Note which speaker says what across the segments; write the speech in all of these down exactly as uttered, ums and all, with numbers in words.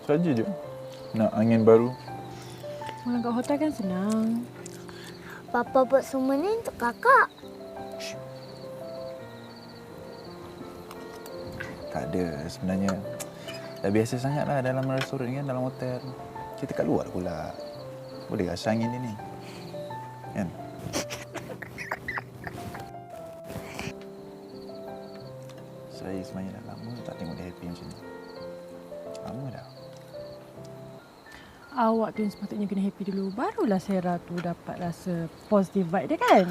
Speaker 1: Saja je. Nak angin baru.
Speaker 2: Malam kat hotel kan senang.
Speaker 3: Papa buat semua ni untuk kakak.
Speaker 1: Tak ada sebenarnya. Dah biasa sangatlah dalam restoran kan, dalam hotel. Kita kat luar pula. Boleh rasa angin ini. Kan? Saya sebenarnya dah lama tak tengok dia happy macam ni. Lama dah.
Speaker 2: Awak tu yang sepatutnya kena happy dulu. Barulah Sarah tu dapat rasa positive vibe dia kan?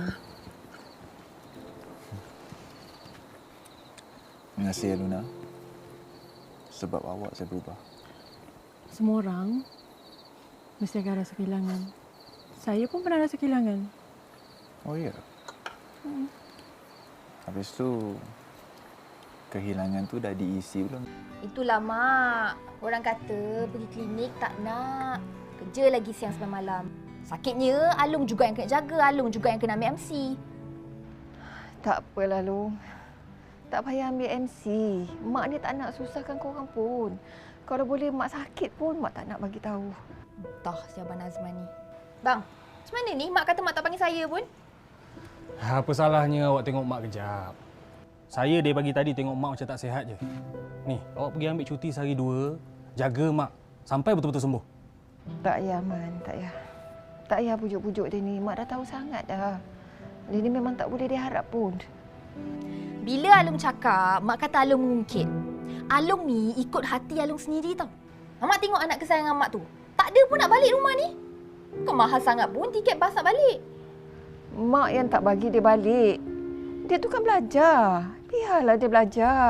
Speaker 1: Terima kasih ya Luna. Sebab awak saya berubah.
Speaker 2: Semua orang mesti akan rasa kehilangan. Saya pun pernah rasa kehilangan.
Speaker 1: Oh ya?
Speaker 2: Hmm.
Speaker 1: Habis tu, kehilangan tu dah diisi belum?
Speaker 4: Itulah Mak. Orang kata pergi klinik tak nak. Kerja lagi siang sampai malam. Sakitnya Alung juga yang kena jaga. Alung juga yang kena ambil M C.
Speaker 5: Tak apalah, Long. Tak payah ambil M C. Mak ni tak nak susahkan korang pun. Kalau boleh Mak sakit pun, Mak tak nak bagi tahu.
Speaker 4: Entah si Abang Nazman ni. Bang, macam mana ni? Mak kata Mak tak panggil saya pun.
Speaker 6: Apa salahnya awak tengok Mak kejap? Saya dari pagi tadi tengok Mak macam tak sihat je. Ni, awak pergi ambil cuti sehari dua, jaga Mak sampai betul-betul sembuh.
Speaker 5: Tak payah, Man. Tak payah. Tak payah pujuk-pujuk dia ni. Mak dah tahu sangat dah. Dia ni memang tak boleh diharap pun.
Speaker 4: Bila Alung cakap, Mak kata Alung mengungkit. Alung ni ikut hati Alung sendiri tau. Mak tengok anak kesayangan Mak tu. Tak ada pun nak balik rumah ni. Bukan mahal sangat pun tiket bas nak balik.
Speaker 5: Mak yang tak bagi dia balik. Dia tu kan belajar. Biarlah dia belajar.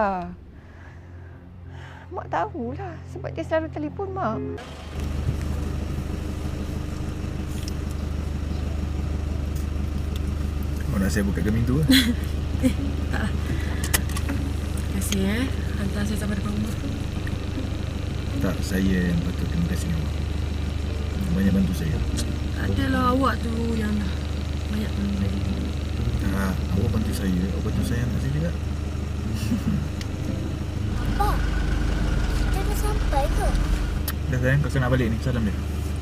Speaker 5: Mak tahulah sebab dia selalu telefon Mak.
Speaker 1: Oh, nak saya buka pintu ke?
Speaker 2: Eh, tak. Terima kasih eh. Hantar saya sampai depan rumah.
Speaker 1: Tak, saya yang patut terima kasih awak. Banyak bantu saya.
Speaker 2: Adalah awak tu yang banyak bantu.
Speaker 1: Tak, awak bantu saya. Awak bantu saya anak saya juga.
Speaker 3: Papa, kita dah sampai ke?
Speaker 1: Dah sayang, kakak nak balik ni. Salam dia.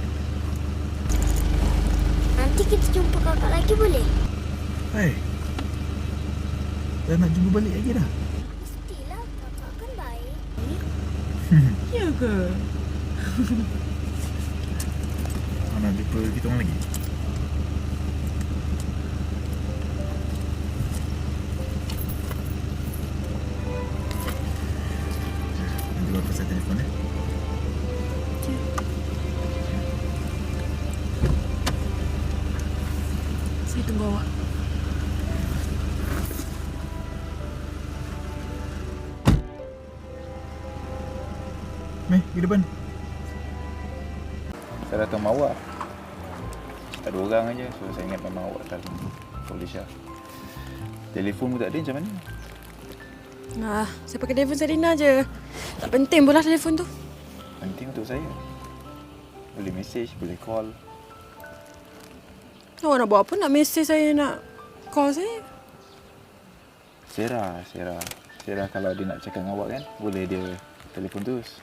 Speaker 3: Nanti kita jumpa kakak lagi boleh?
Speaker 1: Hai. Dah nak jumpa balik lagi dah?
Speaker 3: Mestilah kakak kan baik.
Speaker 2: Ya ke?
Speaker 1: Nak jumpa kita orang lagi? Nanti bapa saya telefon ya.
Speaker 2: Saya tunggu awak.
Speaker 1: Meh, pergi depan. Saya datang sama awak. Ada orang aja, so saya ingat memang awak datang. Polis lah. Telefon pun tak ada, macam mana?
Speaker 2: Nah, saya pakai telefon Sarina je. Tak penting pula telefon tu.
Speaker 1: Penting untuk saya. Boleh message, boleh call.
Speaker 2: Awak nak buat apa? Nak mesej saya, nak call saya?
Speaker 1: Sarah, Sarah. Sarah kalau dia nak cakap dengan awak kan, boleh dia telefon terus.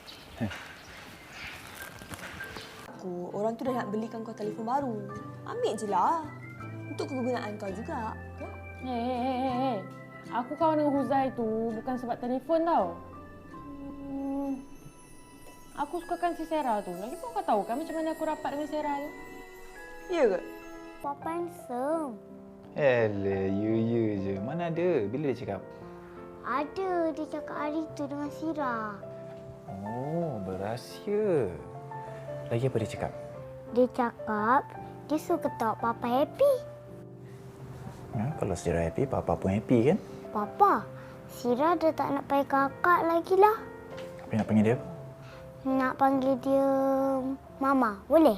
Speaker 7: Aku, orang tu dah nak belikan kau telefon baru. Ambil je lah. Untuk kegunaan kau juga.
Speaker 8: Hei, hei, hei, hei, hei. Aku kawan dengan Huzai tu bukan sebab telefon tau. Hmm. Aku sukakan si Sarah tu. Lagi pun kau tahu kan macam mana aku rapat dengan Sarah tu.
Speaker 7: Ya ke?
Speaker 3: Papa handsome.
Speaker 1: Alah, you you je. Mana ada? Bila dia cakap?
Speaker 3: Ada, dia cakap hari tu dengan Sira.
Speaker 1: Oh, berahsia. Lagi apa dia cakap?
Speaker 3: Dia cakap dia suka tahu Papa happy.
Speaker 1: Ha, kalau Sarah happy, Papa pun happy kan?
Speaker 3: Papa, Sira dah tak nak panggil kakak lagi lah.
Speaker 1: Apa nak panggil dia?
Speaker 3: Nak panggil dia Mama, boleh?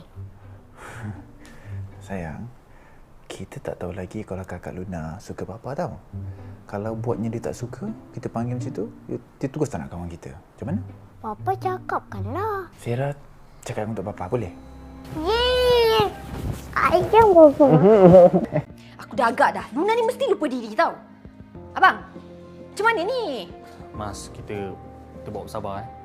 Speaker 1: Sayang, kita tak tahu lagi kalau kakak Luna suka Papa tau. Kalau buatnya dia tak suka, kita panggil macam tu, dia terus tak nak kawan kita. Macam mana?
Speaker 3: Papa cakapkanlah.
Speaker 1: Sarah cakap untuk Papa, boleh?
Speaker 3: Yeay! Ayam Papa.
Speaker 4: Aku dah agak dah. Luna ni mesti lupa diri tau. Abang, macam mana ni?
Speaker 6: Mas, kita kita bawa bersabar eh.